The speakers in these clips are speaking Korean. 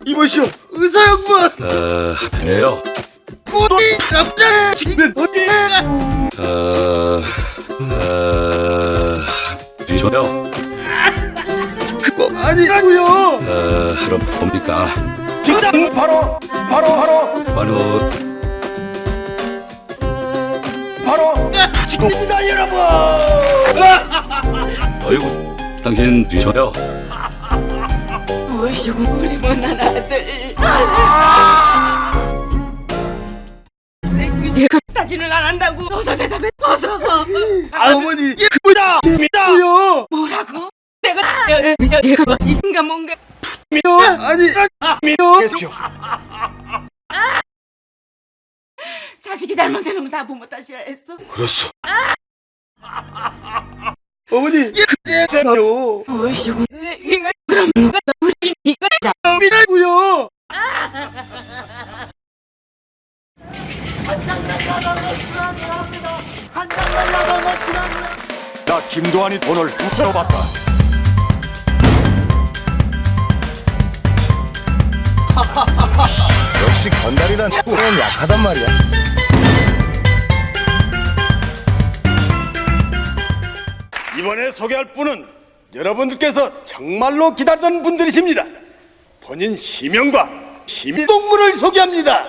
이보시오, 의사 양반. 배요. 꼬리 남자 지금 어디야? 뒤져요. 그거 아니라고요. 그럼 뭡니까? 정답 바로 지금입니다, 여러분. 어이구, 당신 뒤져요. 오이시고 우리 못난 아들. 내가 따지는 안 한다고. 어서 대답해. 어서. 어머니, 이게 그거다. 뭐라고? 내가 내가 인가 뭔가. 계십시오. 자식이 잘못되는 건 다 부모 탓이라 했어. 그렇소. 어머니, 이게 그대로요. 오이시고 그럼 누가 우리 이거 이라고요. 나 김도환이 돈을 우스로 받다. 역시 건달이란 는 약하단 말이야. 이번에 소개할 분은 여러분들께서 정말로 기다리던 분들이십니다. 본인 시명과 시민동물을 소개합니다.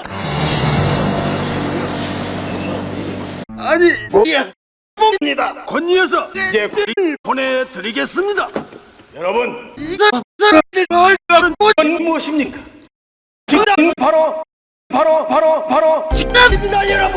아니, 입니다. 권이어서 이제 보내드리겠습니다. 여러분, 이 사람들 뭘 갖고 이건 무엇입니까? 정답 바로 집입니다, 여러분.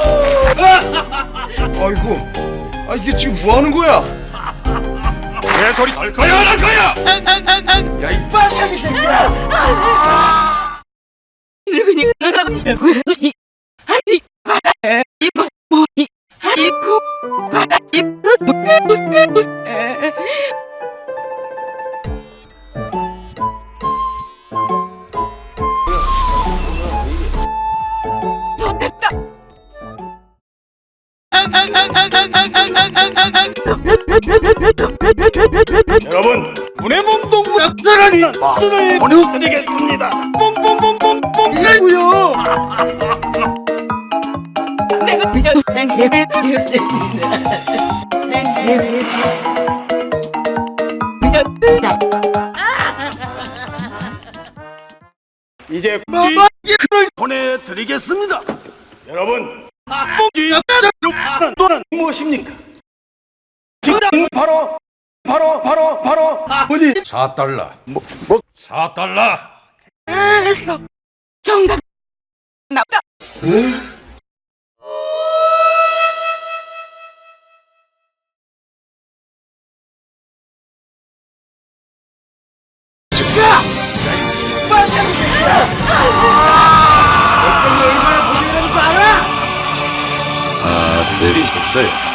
아이고, 이게 지금 뭐 하는 거야? 개소리 할 거야 안 할 거야? 야, 이 빨갱이 새끼야! 늙으니까 나가고 이 아니 바다 이거 뭐지? 아이고 바다 이거 좋겠다. 여러분, 문해봉동물 사랑이 돈을 보내드리겠습니다. 뽕뽕뽕뽕뽕 이라고요. 내가 미쳤어. 당신을 되었습니다. 당신을 미쳤다. 이제 이게 그걸 보내드리겠습니다. 여러분, 뽕기 또는 무엇입니까? 정답 바로 어머니, 4달러. 4달러. 정답 나다. 내리 없어요.